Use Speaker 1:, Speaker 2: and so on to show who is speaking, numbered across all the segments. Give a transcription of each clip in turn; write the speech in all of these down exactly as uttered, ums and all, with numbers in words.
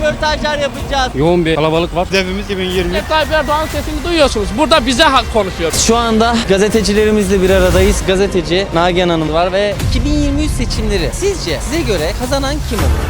Speaker 1: röportajlar yapacağız.
Speaker 2: Yoğun bir kalabalık var. Hedefimiz iki bin yirmi.
Speaker 3: Recep Tayyip Erdoğan'ın sesini duyuyorsunuz. Burada bize hak konuşuyor.
Speaker 1: Şu anda gazetecilerimizle bir aradayız. Gazeteci Nagihan Hanım var ve iki bin yirmi üç seçimleri sizce size göre kazanan kim olur?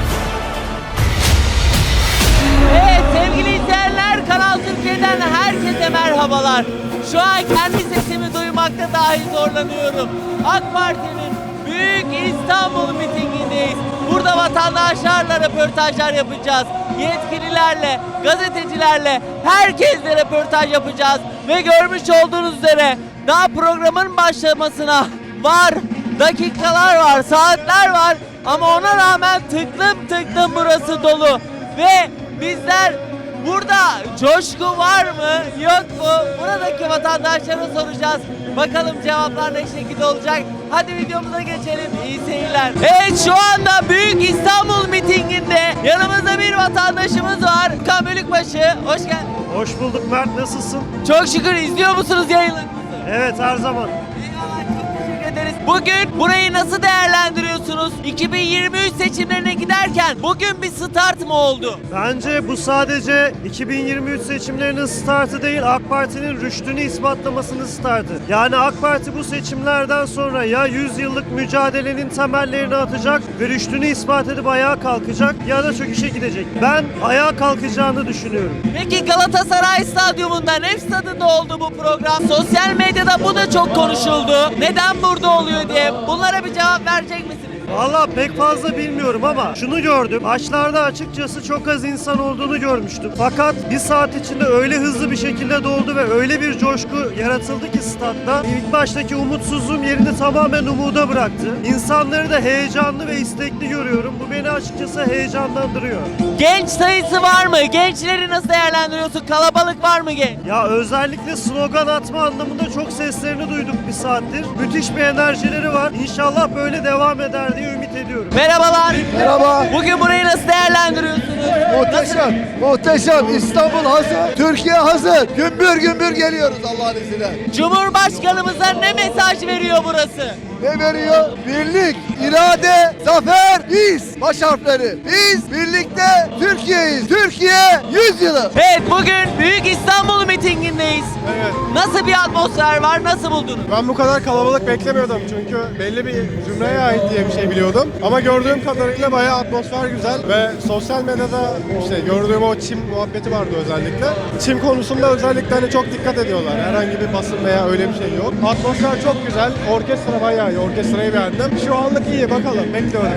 Speaker 1: Evet sevgili izleyenler, Kanal Türkiye'den herkese merhabalar. Şu an kendi sesimi duymakta dahi zorlanıyorum. AK Parti'nin Büyük İstanbul mitingindeyiz. Burada vatandaşlarla röportajlar yapacağız. Yetkililerle, gazetecilerle, herkesle röportaj yapacağız. Ve görmüş olduğunuz üzere daha programın başlamasına var, dakikalar var, saatler var. Ama ona rağmen tıklım tıklım burası dolu. Ve bizler burada coşku var mı, yok mu? Buradaki vatandaşlara soracağız. Bakalım cevaplar ne şekilde olacak? Hadi videomuza geçelim. İyi seyirler. Evet, şu anda Büyük İstanbul mitinginde yanımızda bir vatandaşımız var. Kan Bölükbaşı, hoş geldin.
Speaker 4: Hoş bulduk Mert, nasılsın?
Speaker 1: Çok şükür, izliyor musunuz yayınlarımızı?
Speaker 4: Evet, her zaman.
Speaker 1: Eyvallah, çok teşekkür ederiz. Bugün burayı nasıl değerlendiriyorsunuz? iki bin yirmi üç seçimlerine giderken bugün bir start mı oldu?
Speaker 4: Bence bu sadece iki bin yirmi üç seçimlerinin startı değil, AK Parti'nin rüştünü ispatlamasının startı. Yani AK Parti bu seçimlerden sonra ya yüz yıllık mücadelenin temellerini atacak ve rüştünü ispat edip ayağa kalkacak ya da çöküşe gidecek. Ben ayağa kalkacağını düşünüyorum.
Speaker 1: Peki Galatasaray Stadyumunda, Nef Stadı'nda oldu bu program. Sosyal medyada bu da çok konuşuldu. Neden burada oluyor diye. Bunlara bir cevap verecek misiniz?
Speaker 4: Valla pek fazla bilmiyorum ama şunu gördüm. Başlarda açıkçası çok az insan olduğunu görmüştüm. Fakat bir saat içinde öyle hızlı bir şekilde doldu ve öyle bir coşku yaratıldı ki statta. İlk baştaki umutsuzluğum yerini tamamen umuda bıraktı. İnsanları da heyecanlı ve istekli görüyorum. Bu beni açıkçası heyecanlandırıyor.
Speaker 1: Genç sayısı var mı? Gençleri nasıl değerlendiriyorsun? Kalabalık var mı genç?
Speaker 4: Ya özellikle slogan atma anlamında çok seslerini duyduk bir saattir. Müthiş bir enerjileri var. İnşallah böyle devam eder diye ümit ediyorum.
Speaker 1: Merhabalar.
Speaker 5: Merhaba.
Speaker 1: Bugün burayı nasıl değerlendiriyorsunuz?
Speaker 5: Muhteşem, muhteşem. İstanbul hazır, Türkiye hazır. Gümbür gümbür geliyoruz Allah'ın izniyle.
Speaker 1: Cumhurbaşkanımıza ne mesaj veriyor burası?
Speaker 5: Ne veriyor? Birlik, irade, zafer, biz. Baş harfleri. Biz birlikte Türkiye'yiz. Türkiye yüz yılı.
Speaker 1: Evet, bugün Büyük İstanbul mitingindeyiz.
Speaker 6: Evet.
Speaker 1: Nasıl bir atmosfer var? Nasıl buldunuz?
Speaker 6: Ben bu kadar kalabalık beklemiyordum çünkü belli bir zümreye ait diye bir şey biliyordum. Ama gördüğüm kadarıyla bayağı atmosfer güzel ve sosyal medyada işte gördüğüm o çim muhabbeti vardı özellikle. Çim konusunda özellikle hani çok dikkat ediyorlar. Herhangi bir basın veya öyle bir şey yok. Atmosfer çok güzel. Orkestra bayağı iyi. Orkestrayı beğendim. Şu anlık iyi, bakalım. Bekliyoruz.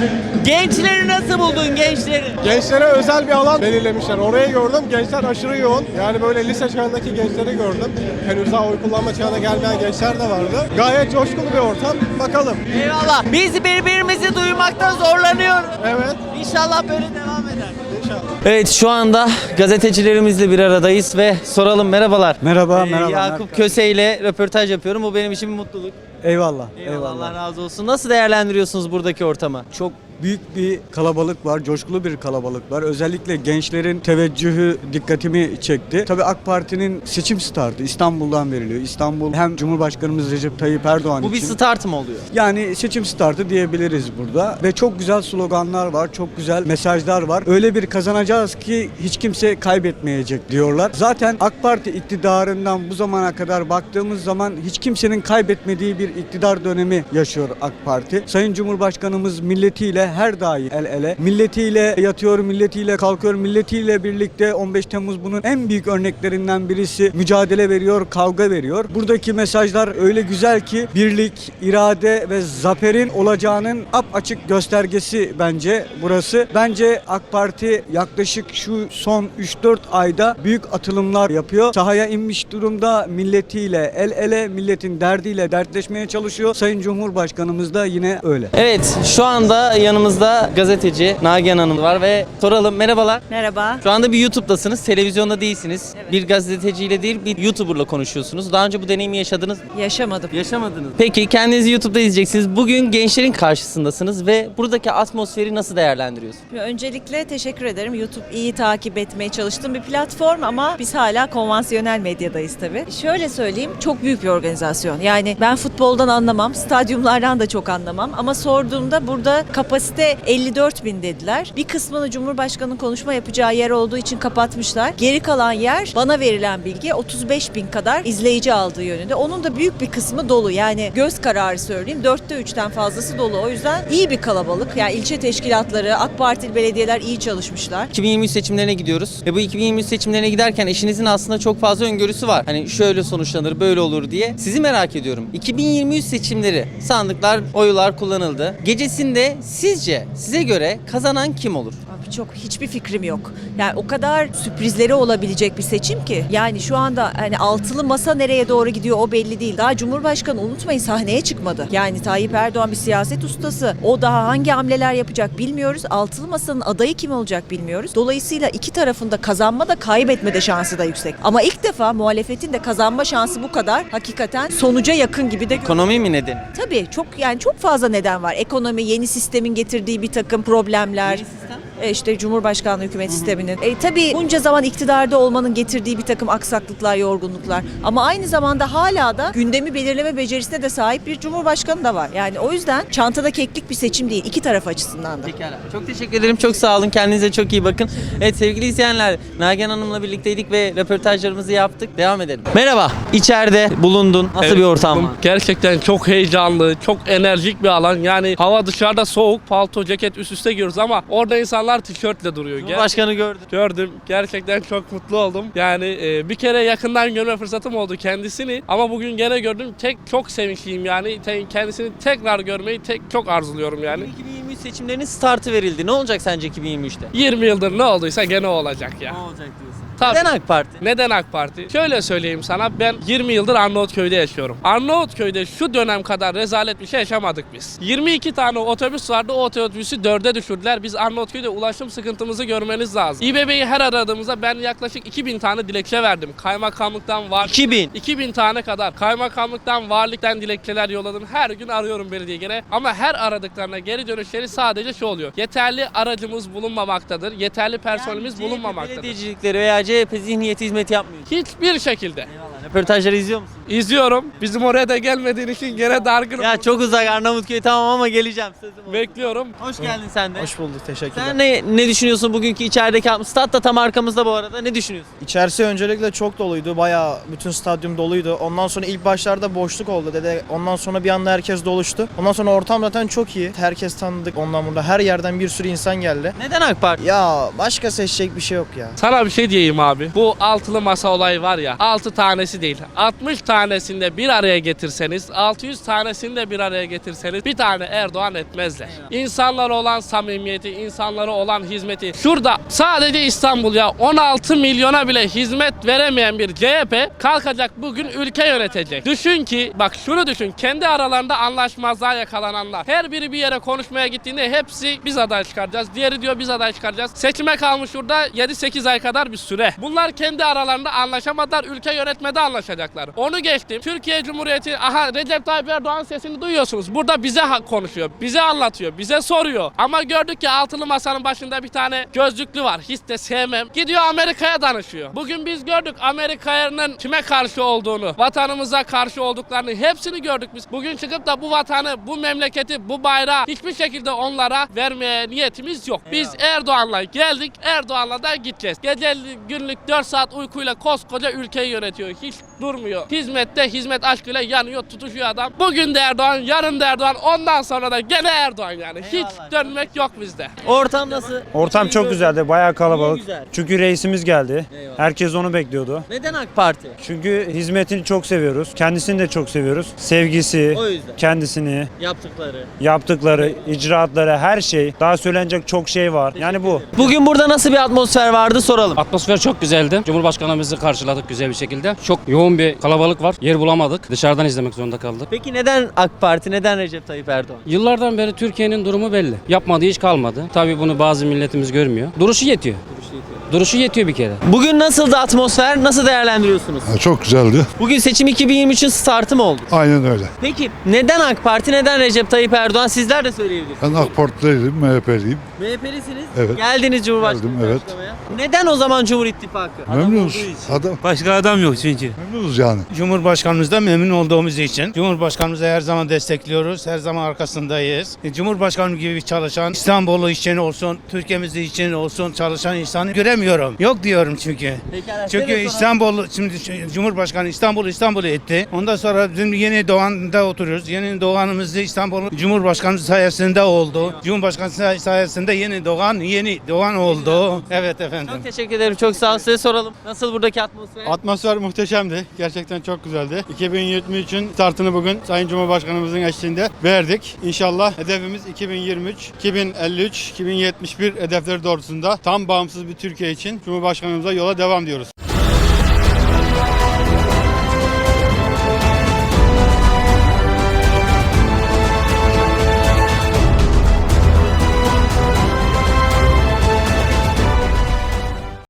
Speaker 1: Gençleri nasıl buldun, gençleri?
Speaker 6: Gençlere özel bir alan belirlemişler. Orayı gördüm. Gençler aşırı yoğun. Yani böyle lise çağındaki gençleri gördüm. Henüz daha oy kullanma çağına gelmeyen gençler de vardı. Gayet coşkulu bir ortam. Bakalım.
Speaker 1: Eyvallah. Biz birbirimizi duymakta zorlanıyoruz.
Speaker 6: Evet.
Speaker 1: İnşallah böyle devam eder.
Speaker 6: İnşallah.
Speaker 1: Evet, şu anda gazetecilerimizle bir aradayız ve soralım. Merhabalar.
Speaker 7: Merhaba,
Speaker 1: Ee,
Speaker 7: merhaba.
Speaker 1: Yakup Köse ile röportaj yapıyorum. Bu benim için bir mutluluk.
Speaker 7: Eyvallah,
Speaker 1: Eyvallah,
Speaker 7: eyvallah.
Speaker 1: Allah razı olsun. Nasıl değerlendiriyorsunuz buradaki ortamı?
Speaker 7: Çok büyük bir kalabalık var, coşkulu bir kalabalık var. Özellikle gençlerin teveccühü dikkatimi çekti. Tabii AK Parti'nin seçim startı İstanbul'dan veriliyor. İstanbul hem Cumhurbaşkanımız Recep Tayyip Erdoğan
Speaker 1: Bu bir
Speaker 7: için.
Speaker 1: start mı oluyor?
Speaker 7: Yani seçim startı diyebiliriz burada. Ve çok güzel sloganlar var, çok güzel mesajlar var. Öyle bir kazanacağız ki hiç kimse kaybetmeyecek diyorlar. Zaten AK Parti iktidarından bu zamana kadar baktığımız zaman hiç kimsenin kaybetmediği bir iktidar dönemi yaşıyor AK Parti. Sayın Cumhurbaşkanımız milletiyle her daim el ele. Milletiyle yatıyor, milletiyle kalkıyor, milletiyle birlikte on beş Temmuz bunun en büyük örneklerinden birisi. Mücadele veriyor, kavga veriyor. Buradaki mesajlar öyle güzel ki birlik, irade ve zaferin olacağının apaçık göstergesi bence burası. Bence AK Parti yaklaşık şu son üç dört ayda büyük atılımlar yapıyor. Sahaya inmiş durumda, milletiyle el ele, milletin derdiyle dertleşmeye çalışıyor. Sayın Cumhurbaşkanımız da yine öyle.
Speaker 1: Evet, şu anda yanımızda gazeteci Nagihan Hanım var ve soralım. Merhabalar.
Speaker 8: Merhaba.
Speaker 1: Şu anda bir YouTube'dasınız, televizyonda değilsiniz.
Speaker 8: Evet.
Speaker 1: Bir gazeteciyle değil, bir YouTuber'la konuşuyorsunuz. Daha önce bu deneyimi yaşadınız mı?
Speaker 8: Yaşamadım.
Speaker 1: Yaşamadınız. Peki, kendinizi YouTube'da izleyeceksiniz. Bugün gençlerin karşısındasınız ve buradaki atmosferi nasıl değerlendiriyorsunuz?
Speaker 8: Öncelikle teşekkür ederim. YouTube iyi takip etmeye çalıştığım bir platform ama biz hala konvansiyonel medyadayız tabii. Şöyle söyleyeyim, çok büyük bir organizasyon. Yani ben futboldan anlamam, stadyumlardan da çok anlamam ama sorduğumda burada kapasite Mecliste elli dört bin dediler. Bir kısmını Cumhurbaşkanı'nın konuşma yapacağı yer olduğu için kapatmışlar. Geri kalan yer, bana verilen bilgi, otuz beş bin kadar izleyici aldığı yönünde. Onun da büyük bir kısmı dolu. Yani göz kararı söyleyeyim. Dörtte üçten fazlası dolu. O yüzden iyi bir kalabalık. Yani ilçe teşkilatları, AK Partili belediyeler iyi çalışmışlar.
Speaker 1: iki bin yirmi üç seçimlerine gidiyoruz ve bu iki bin yirmi üç seçimlerine giderken eşinizin aslında çok fazla öngörüsü var. Hani şöyle sonuçlanır, böyle olur diye. Sizi merak ediyorum. iki bin yirmi üç seçimleri, sandıklar, oylar kullanıldı. Gecesinde sizce, size göre kazanan kim olur?
Speaker 8: Abi çok hiçbir fikrim yok. Yani o kadar sürprizleri olabilecek bir seçim ki. Yani şu anda hani altılı masa nereye doğru gidiyor o belli değil. Daha Cumhurbaşkanı unutmayın sahneye çıkmadı. Yani Tayyip Erdoğan bir siyaset ustası. O daha hangi hamleler yapacak bilmiyoruz. Altılı masanın adayı kim olacak bilmiyoruz. Dolayısıyla iki tarafında kazanma da kaybetme de şansı da yüksek. Ama ilk defa muhalefetin de kazanma şansı bu kadar. Hakikaten sonuca yakın gibi de görünüyor.
Speaker 1: Ekonomi mi nedeni?
Speaker 8: Tabii çok yani çok fazla neden var. Ekonomi, yeni sistemin getirdiği bir takım problemler.
Speaker 1: Yeni sistem?
Speaker 8: E işte Cumhurbaşkanlığı hükümet sisteminin. E tabii bunca zaman iktidarda olmanın getirdiği bir takım aksaklıklar, yorgunluklar. Ama aynı zamanda hala da gündemi belirleme becerisine de sahip bir Cumhurbaşkanı da var. Yani o yüzden çantada keklik bir seçim değil. İki taraf açısından da.
Speaker 1: Pekala. Çok teşekkür ederim. Çok sağ olun. Kendinize çok iyi bakın. Evet sevgili izleyenler, Nagihan Hanım'la birlikteydik ve röportajlarımızı yaptık. Devam edelim. Merhaba. İçeride bulundun. Nasıl
Speaker 3: Evet,
Speaker 1: bir ortam
Speaker 3: bu
Speaker 1: var?
Speaker 3: Gerçekten çok heyecanlı, çok enerjik bir alan. Yani hava dışarıda soğuk, palto, ceket üst üste giyiyoruz ama orada insanlar tişörtle duruyor. Ger-
Speaker 1: Cumhurbaşkanı gördüm.
Speaker 3: Gördüm. Gerçekten çok mutlu oldum. Yani e, bir kere yakından görme fırsatım oldu kendisini ama bugün gene gördüm. Tek çok sevinçliyim yani. Te- kendisini tekrar görmeyi tek çok arzuluyorum yani.
Speaker 1: iki bin yirmi üç seçimlerinin startı verildi. Ne olacak sence iki bin yirmi üçte?
Speaker 3: yirmi yıldır ne olduysa gene o olacak ya.
Speaker 1: Ne olacak diyorsun?
Speaker 3: Tabii.
Speaker 1: Neden AK Parti?
Speaker 3: Neden AK Parti? Şöyle söyleyeyim sana, ben yirmi yıldır Arnavutköy'de yaşıyorum. Arnavutköy'de şu dönem kadar rezalet bir şey yaşamadık biz. yirmi iki tane otobüs vardı, o otobüsü dörde düşürdüler. Biz Arnavutköy'de ulaşım sıkıntımızı görmeniz lazım. İBB'yi her aradığımızda ben yaklaşık iki bin tane dilekçe verdim. Kaymakamlıktan var.
Speaker 1: iki bin.
Speaker 3: iki bin tane kadar. Kaymakamlıktan, valilikten dilekçeler yolladım. Her gün arıyorum belediye gene. Ama her aradıklarına geri dönüşleri sadece şu oluyor. Yeterli aracımız bulunmamaktadır. Yeterli personelimiz
Speaker 1: Yani C H P
Speaker 3: bulunmamaktadır.
Speaker 1: belediyecilikleri veya C H P zihniyeti hizmet yapmıyor.
Speaker 3: Hiçbir şekilde.
Speaker 1: Eyvallah. Röportajları izliyor musun?
Speaker 3: İzliyorum. Bizim oraya da gelmediğin için gene dargınım.
Speaker 1: Ya çok uzak Arnavutköy tamam ama geleceğim. Sözüm olsun.
Speaker 3: Bekliyorum.
Speaker 1: Hoş geldin sen de.
Speaker 9: Hoş bulduk, teşekkürler.
Speaker 1: Sen ne ne düşünüyorsun bugünkü içerideki stat da tam arkamızda bu arada. Ne düşünüyorsun?
Speaker 9: İçerisi öncelikle çok doluydu. Bayağı bütün stadyum doluydu. Ondan sonra ilk başlarda boşluk oldu dedi. Ondan sonra bir anda herkes doluştu. Ondan sonra ortam zaten çok iyi. Herkes tanıdık ondan burada. Her yerden bir sürü insan geldi.
Speaker 1: Neden AK Parti?
Speaker 9: Ya başka seçecek bir şey yok ya.
Speaker 3: Sana bir şey diyeyim abi. Bu altılı masa olayı var ya. altı tanesi değil. altmış tanesini de bir araya getirseniz, altı yüz tanesini de bir araya getirseniz bir tane Erdoğan etmezler. İnsanlara olan samimiyeti, insanlara olan hizmeti. Şurada sadece İstanbul ya on altı milyona bile hizmet veremeyen bir C H P kalkacak bugün ülke yönetecek. Düşün ki bak şunu düşün. Kendi aralarında anlaşmazlığa yakalananlar. Her biri bir yere konuşmaya gittiğinde hepsi biz aday çıkaracağız. Diğeri diyor biz aday çıkaracağız. Seçime kalmış şurada yedi sekiz ay kadar bir süre. Bunlar kendi aralarında anlaşamadılar. Ülke yönetmede anlaşacaklar. Onu geçtim. Türkiye Cumhuriyeti, aha Recep Tayyip Erdoğan sesini duyuyorsunuz. Burada bize ha- konuşuyor. Bize anlatıyor. Bize soruyor. Ama gördük ki altılı masanın başında bir tane gözlüklü var. Hiç de sevmem. Gidiyor Amerika'ya danışıyor. Bugün biz gördük Amerika'nın kime karşı olduğunu, vatanımıza karşı olduklarını hepsini gördük biz. Bugün çıkıp da bu vatanı, bu memleketi, bu bayrağı hiçbir şekilde onlara vermeye niyetimiz yok. Biz Erdoğan'la geldik, Erdoğan'la da gideceğiz. Gece günlük dört saat uykuyla koskoca ülkeyi yönetiyor. Hiç durmuyor. Hizmette hizmet aşkıyla yanıyor, tutuşuyor adam. Bugün de Erdoğan, yarın da Erdoğan, ondan sonra da gene Erdoğan yani. Hiç
Speaker 1: Eyvallah.
Speaker 3: dönmek yok bizde.
Speaker 1: Ortam nasıl?
Speaker 2: Ortam
Speaker 1: İyi
Speaker 2: çok
Speaker 1: gördüm.
Speaker 2: güzeldi, bayağı
Speaker 1: İyi,
Speaker 2: kalabalık.
Speaker 1: güzel.
Speaker 2: Çünkü reisimiz geldi.
Speaker 1: Eyvallah.
Speaker 2: Herkes onu bekliyordu.
Speaker 1: Neden AK Parti?
Speaker 2: Çünkü hizmetini çok seviyoruz. Kendisini de çok seviyoruz. Sevgisi,
Speaker 1: O yüzden.
Speaker 2: kendisini,
Speaker 1: Yaptıkları.
Speaker 2: yaptıkları, icraatları, her şey. Daha söylenecek çok şey var. Yani bu.
Speaker 1: Bugün burada nasıl bir atmosfer vardı soralım.
Speaker 10: Atmosfer çok güzeldi. Cumhurbaşkanımızı karşıladık güzel bir şekilde. Çok yoğun bir kalabalık var. Yer bulamadık. Dışarıdan izlemek zorunda kaldık.
Speaker 1: Peki neden AK Parti, neden Recep Tayyip Erdoğan?
Speaker 10: Yıllardan beri Türkiye'nin durumu belli. Yapmadığı hiç kalmadı. Tabii bunu bazı milletimiz görmüyor. Duruşu yetiyor. Duruşu yetiyor bir kere.
Speaker 1: Bugün nasıldı atmosfer? Nasıl değerlendiriyorsunuz?
Speaker 5: Çok güzeldi.
Speaker 1: Bugün seçim iki bin yirmi üçün startı mı oldu?
Speaker 5: Aynen öyle.
Speaker 1: Peki neden AK Parti, neden Recep Tayyip Erdoğan? Sizler de söyleyebilirsiniz.
Speaker 5: Ben AK Partiliyim, M H P'liyim.
Speaker 1: M H P'lisiniz.
Speaker 5: Evet.
Speaker 1: Geldiniz Cumhurbaşkanı
Speaker 5: Geldim, evet.
Speaker 1: karşılamaya. Neden o zaman Cumhur İttifakı?
Speaker 5: Memnunuz. Adam,
Speaker 11: Başka adam yok çünkü.
Speaker 5: memnunuz yani.
Speaker 11: Cumhurbaşkanımızdan memnun olduğumuz için Cumhurbaşkanımızı her zaman destekliyoruz. Her zaman arkasındayız. E, Cumhurbaşkanım gibi çalışan, İstanbul'u için olsun, Türkiye'miz için olsun çalışan insanı göremiyorum. Yok diyorum çünkü.
Speaker 1: Pekala,
Speaker 11: Çünkü
Speaker 1: şöyle soralım.
Speaker 11: İstanbul, şimdi Cumhurbaşkanı İstanbul İstanbul'u etti. Ondan sonra bizim yeni doğanda oturuyoruz. Yeni doğanımız da İstanbul Cumhurbaşkanımız sayesinde oldu. Cumhurbaşkanı say- sayesinde yeni doğan, yeni doğan oldu. Evet efendim.
Speaker 1: Çok teşekkür ederim. Çok sağ olun. Size soralım. Nasıl buradaki atmosfer?
Speaker 6: Atmosfer muhteşemdi. Gerçekten çok güzeldi. iki bin yirmi üçün startını bugün Sayın Cumhurbaşkanımızın eşliğinde verdik. İnşallah hedefimiz iki bin yirmi üç, iki bin elli üç, iki bin yetmiş bir hedefleri doğrultusunda tam bağımsız bir Türkiye için Cumhurbaşkanımıza yola devam diyoruz.